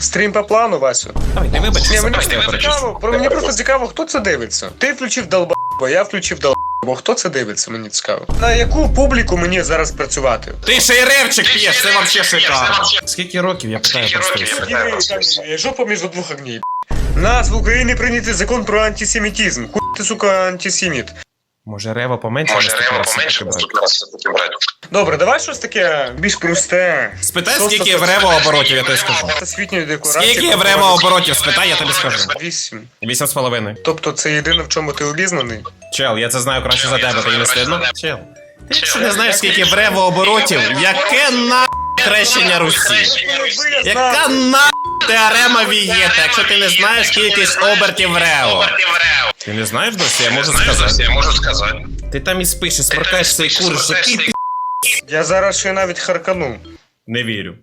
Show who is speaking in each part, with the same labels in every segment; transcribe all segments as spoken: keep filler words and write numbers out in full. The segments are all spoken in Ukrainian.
Speaker 1: Стрім по плану, Васю.
Speaker 2: Давай, ти вибачся,
Speaker 1: Ні, мені
Speaker 2: просто я
Speaker 1: просто
Speaker 2: перечислю.
Speaker 1: цікаво, про мені просто цікаво, хто це дивиться. Ти включив долбо, я включив долбо. Хто це дивиться, мені цікаво. На яку публіку мені зараз працювати?
Speaker 2: Ти ще й ревчик п'єш, це вообще шикарно. Скільки років, я питаю просто і все.
Speaker 1: Жопа між двох огней. У нас в Україні прийнятий закон про антисемітизм. Хуй ти, сука, антисеміт.
Speaker 2: Може рево поменше?
Speaker 3: Може,
Speaker 2: наступного
Speaker 3: рево
Speaker 2: разу
Speaker 3: поменше,
Speaker 2: таки брати?
Speaker 3: наступного разу таки брати.
Speaker 1: Добре, давай щось таке більш просте.
Speaker 2: Спитай,
Speaker 1: Просто
Speaker 2: скільки в рево оборотів, я тобі скажу.
Speaker 1: Всесвітньої декларації.
Speaker 2: Скільки в рево оборотів, спитай, я тобі скажу.
Speaker 1: Вісім.
Speaker 2: Вісім з половиною.
Speaker 1: Тобто це єдине, в чому ти обізнаний?
Speaker 2: Чел, я це знаю краще за тебе, тобі не стидно? Чел. Ти якщо не знаєш, скільки в рево оборотів, яке на хрещення Русі? Яка на теорема Вієта, якщо ти не знаєш кількість обертів рево? Ти не знаєш досі? Я можу сказати.
Speaker 3: Я можу сказати.
Speaker 2: Ти там і спиш, і сморкаєш цей курс, який ти...
Speaker 1: Я зараз ще навіть харкану.
Speaker 2: Не вірю.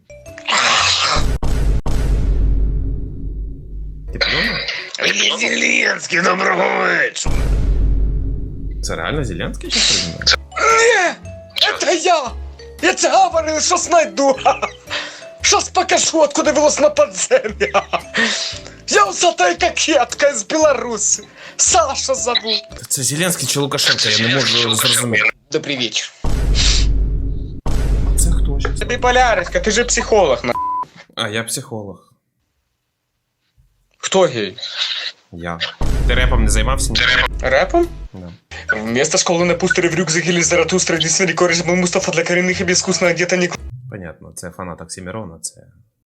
Speaker 2: Ти подумав?
Speaker 1: Зеленський, доброго вечора.
Speaker 2: Це реально Зеленський чи придумав?
Speaker 1: Ні, це я. Я це говорив, що знайду. Щас покажу, откуда велось на подзем'я. Я усатая кокетка з Білорусі. Саша зовут.
Speaker 2: Це Зеленський чи Лукашенко, я не можу зрозуміти.
Speaker 1: Добрий вечір.
Speaker 2: Це хто ж?
Speaker 1: Ти біполярочка, ти же психолог, на.
Speaker 2: А, я психолог.
Speaker 1: Хто гей?
Speaker 2: Я. Ти репом не займався? Ні?
Speaker 1: Репом?
Speaker 2: Да.
Speaker 1: Вместо школы на пустыре в рюкзаке или Заратустра, здесь великий кореш был Мустафа для коренных и безвкусно одета не...
Speaker 2: Понятно, це фанат Оксимирона, це